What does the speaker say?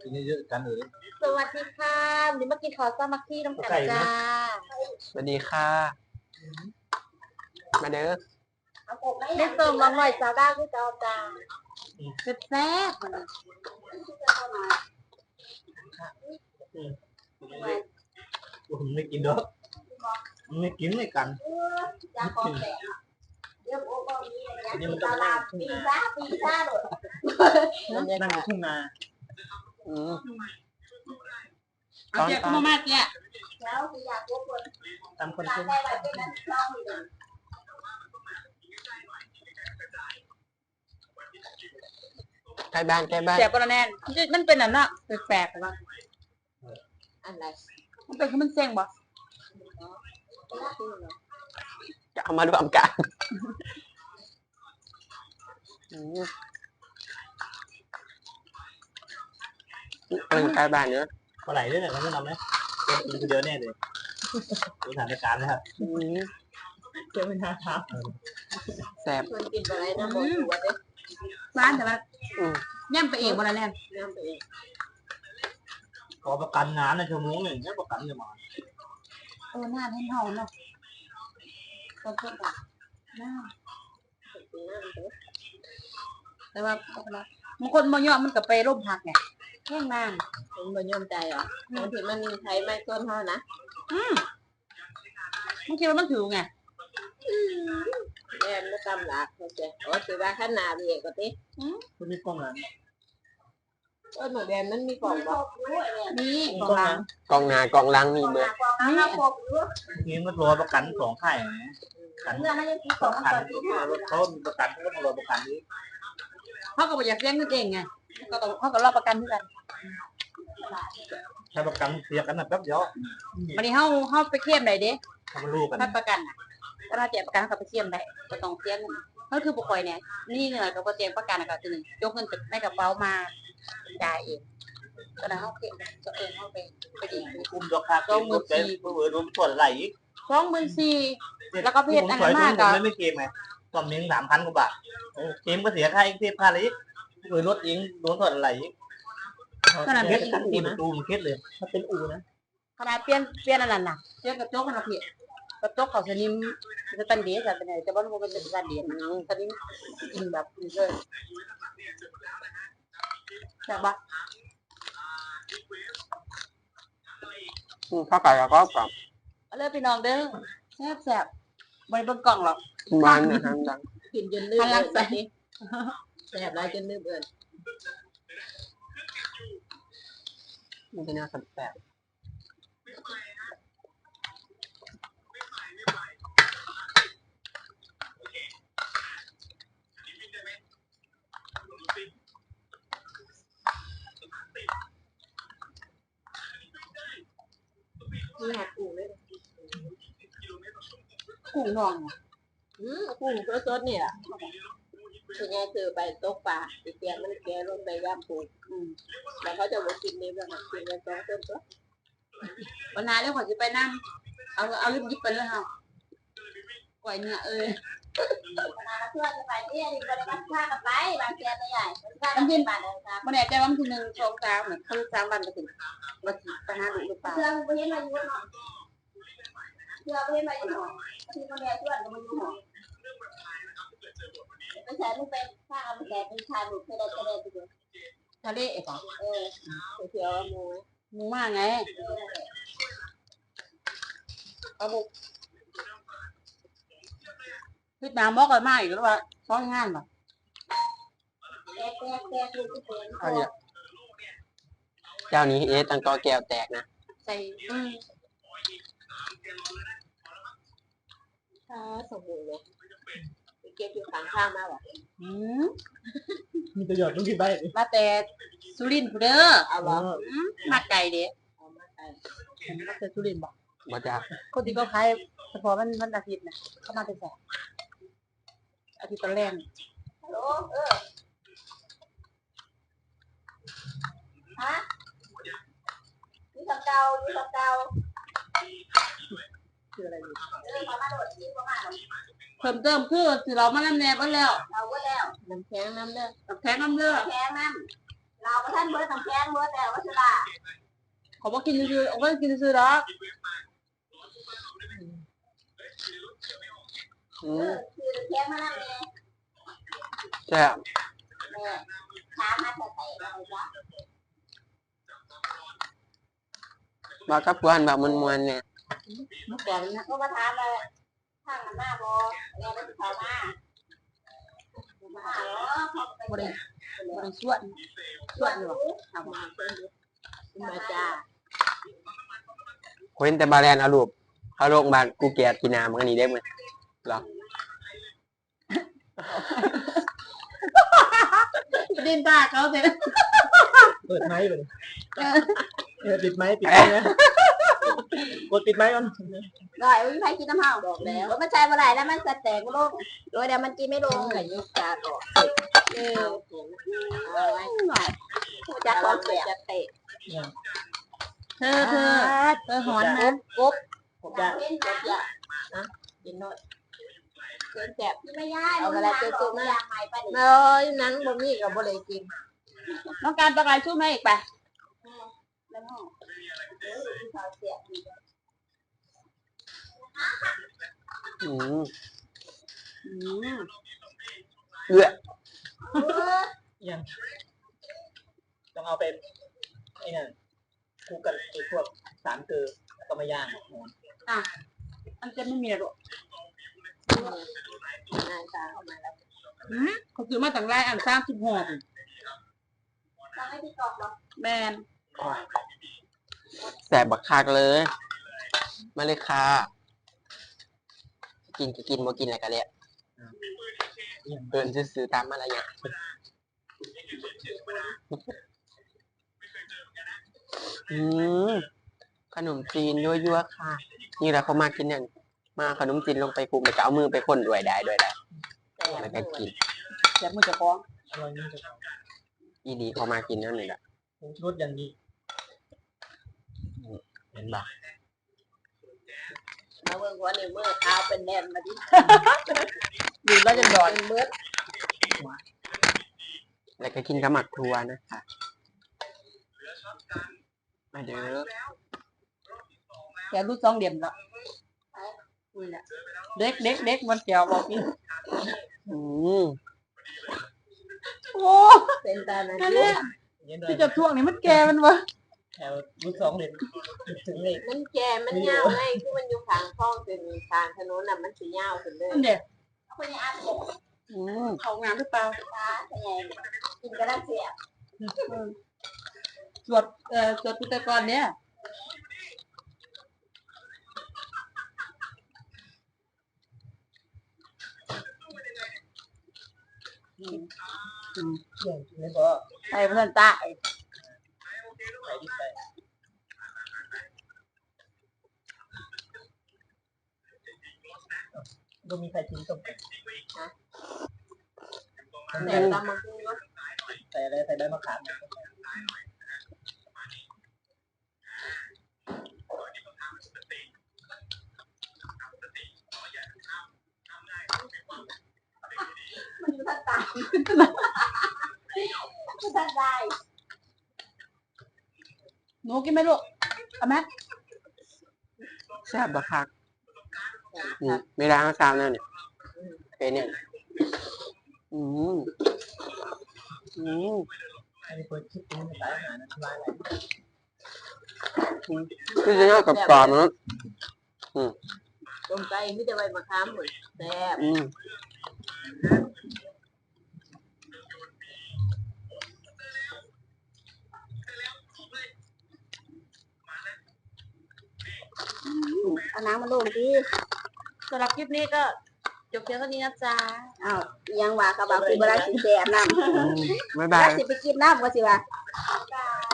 กินเยอะๆกันเลยสวัสดีค่ะวันนี้มากินข้าวซามักที่น้ำกันจ้าสวัสดีค่ะมาเด้อได้เติมมาหน่อยจ้าได้คือเจ้าจ้าแซ่บมันผมไม่กินดอกไม่กินไม่กันนี่มันต้องนั่งทุ่งนานั่งทุ่งนาเอาเจ้าก็มาเจ้าตามคนเช่นใกล้บ้านเสียบปลาแน่นมันเป็นอันน่ะแปลกๆป่ะอะไรมันเป็นคือมันเซ็งบ่จะเอามารวมกันใกล้บ้านเนอะปลาไหลด้วยเนี่ยมันไม่นำไหมกินคนเดียวแน่เลยดูสถานการณ์นะครับเจ้าเป็นท่าทางแซ่บคนกินปลาไหลนะบอกอยู่ว่าเด้ร้านแต่ว่าย่ำไปเองบ่ละแน่นย่ำไปเองขอประกันงานในชั่วโมงหนึ่งแค่ประกันจะมาหน้าให้เฮาเนาะก็เพิ่มอ่ะหน้าแต่ว่าบางคนบ่ยอมมันก็ไปร่มพักไงแห้งนานผมบ่ยอมใจเหรอบางทีมันใช้ไม้ต้นเฮานะบางทีมันถือไงแม่ไม่ตำหลักเขาจะถือว่าขนาดเรียกก็ติมันมีกล้องหลังหนูแดนมันมีกล่องบ่มีกล่องหลังกองหน้ากองหลังมีเบอร์นี่มันรอประกันสองค่ายนะขันเขามีประกันเขาก็มารอประกันนี้เขาก็บอกอยากเลี้ยงตัวเองไงเขาก็รอประกันด้วยกันใช้ประกันเสียกันนะแป๊บเดียววันนี้เขาไปเข้มไหนเด้ทำรู้กันถ้าประกันถ้าแจกประกันเขาไปเข้มได้ก็ต้องเสียเงินก็คือปกติเนี่ยนี่เงินก็พอแจกประกันก็คือ1ยกเงินจากในกระเป๋ามาจ่ายเองก็ได้เขาเข้มตัวเองเขาไปดีอุ้มดอกคาก็มือเป็นมือรวมส่วนไหล 24,000แล้วก็เพจอันนั้นมากก็ไม่เกมไงก็มี3,000 กว่าบาทเกมก็เสียค่าอีก10,000อะไรอีกมือรถเองรวมส่วนไหลอีกขนาดเป็นอูนะตูมเคสเลยถ้าเป็นอูนะขนาดเปลี่ยนอันนั้นน่ะเปลี่ยนกระจกขนาดเพียกระจกเขาสนิมจะตันดีจะเป็นไงแต่ว่ามันเป็นตันดีสนิมกินแบบนี้เลยใช่ปะข้าวไก่กับข้าวกล่องเลิกพี่น้องเด้อแซ่บใบบนกล่องหรอกบ้านนะฮะดังกินจนลืมเลยใส่แซ่บไรจนลืมเลยมันจะน่าสับแซ่บมีหากุ้งเลยกุ้งนองกุ้งสดๆเนี่ยคือไงคือไปตกปลาเตี้ยมันแก่ลงไปย่ำปูแล้วเขาจะมากินนี่แบบกินกันสองคนก็วันนั้นเรื่องของจะไปนั่งเอาลิบยิบไปเลยค่ะปล่อยเนี่ยวันนั้นเพื่อนจะไปที่นี่ก็ได้มาฆ่ากันไปบางแกตัวใหญ่มันกินบาทเลยครับมันแน่ใจว่ามันคือ1 2 3เหมือนคือ3 วันก็ถึงวันที่ไปหาลูกหรือเปล่าเพื่อนไปเห็นมาอยู่เนาะเพื่อนไปเห็นมาอยู่เนาะที่คนแก่เพื่อนก็มาอยู่เนาะไม่ใช่ไม่เป็นข้ามันแก่เป็นชายหนุ่มทะเลไปดูทะเลเอ๋อเที่ยวมูมากไงเอาบุกพี่ตามบอกกันมากอีกแล้วว่าซ้อนงานป่ะเจ้านี้ตังกอแก้วแตกนะใส่สมบูรณ์เลยเก็บอยู่ข้างมาว่ะมีประโยชน์ต้องกินไปมาแต่สุรินทร์เด้อเอาบ่มาไกลเด้มาไกลมาแต่สุรินทร์บ่มาจากคนที่เขาขายเฉพาะมันอาทิตย์นะเขามาแต่แสบอาทิตย์ตอนแรกฮัลโหลฮะนี่ทำเก่าคืออะไรอยู่เพิ่มเติมคือสิเรามาน้ำแนบแล้วน้ำแข็งน้ำเลือดน้ำเราก็ท่านเบิร์ดน้ำแข็งเบิร์ดแต่ว่าสุดาเขาบอกกินซื้อเอาก็กินซื้อแล้วคือแข็งมาแล้วแม่แซ่บแม่ช้ามาเถอะใส่อะไรวะว่ากับเพื่อนแบบมวนๆเนี่ยเมื่อก่อนนะก็มาถามเลยข้างหน้าบอแม่ได้ติดต่อมาเหรอพอไปบริบริส่วนอยู่ทำมามาจ้าเว้นแต่บาแลนเอารูปเขาโรงพยาบาลกูเกียดกินน้ำมันนี่ได้มั้ยหรอดินตาเขาเสร็จเปิดไม้เลยปิดไม้นะกดปิดไม้ก่อนหน่อยไม่ใช่กินน้ำเห่าบอกแล้วว่ามันใช่เมื่อไหร่แล้วมันจะแตกลงโดยเดี๋ยวมันกินไม่ลงไก่ยุกจาต่อเอาไว้หน่อยจะคอนเสียเตะเธอหอนนะกบผมจะเล่นนะกินหน่อยเกินแสบไม่ยากเอาอะไรเจอตัวอยางใหม่ไปเลยนั้นบ่มีกับบริกินน้องการประกายช่วยแม่อีกไปแล้วก็เขาเสียอืมยังต้องเอาเป็นไอ้นั่นคู่กันไอ้พวกสารเกลือก็มาย่างหมูอันจะไม่มีหรอกนายตาเข้ามาแล้วเขาซื้อมาต่างไรอัน36 จะไม่ที่กอกหรอแมนแซ่บบักคักเลยมาเลยค่ะกินก็กินบ่กินอะไรกันเนี่ยเดินซื้อๆตามมาอะไรอย่างขนมจีนยั่วๆค่ะนี่แหละเขามากินเนี่ยมาขนมจีนลงไปคลุกแล้วก็เอามือไปคนด้วยได้แล้วก็กินแซ่บมือจะฟ้องอร่อยนี่จะอีดีเขามากินนั่นนี่แหละผมรสอย่างนี้เห็นปะเอาเมื่อวันนี้เมื่อเท้าเป็นแดนมาดิดูแล้วจะดอนเมื่อแล้วก็กินกับหมักทัวนะคะมาเด้อแกรู้2เหลี่ยมแล้วเด็กมันแก้วบอกกิน โอ้เป็นตานะที่จะท่วงนี่มันแกมันวะแถวรุ่น2เหรียญถึงเลยมันแก่มันยาวไงคือมันอยู่ทางคลองเป็นทางถนนน่ะมันสียาวขึ้นเลยมันเด็กคนนี้อาบเขางามหรือเปล่าตาไงกินกระด้างเสียสวดพุทธกรเนี่ยไม่พอใส่พระตาไปดิไปก็มีใครกินต้มแต่ตามมาคือว่าใส่อะไรใส่ใบมะขามมันอยู่ทางใต้ทางใต้หนูกินไหมลูกเอาไหมแซ่บบักคักนี่ไม่ได้ข้าวซาวนั่นเนี่ยเป็นเนี่ยอันนี้เปิดคลิปนี้สายอาหารนะร้านอะไรคือจะยอดกับกรอบมันตรงใจไม่จะไปมาค้ามเหมือนแซ่บ เอาน้ำมาลงดิสำหรับคลิปนี้ก็จบเพียงเท่านี้นะจ๊ะอ้าวยังว่ากับว่าคือบราสิแซ่บน้ำบ๊ายบบายราสิไปกินน้ำก็สิว่าบ๊ายบาย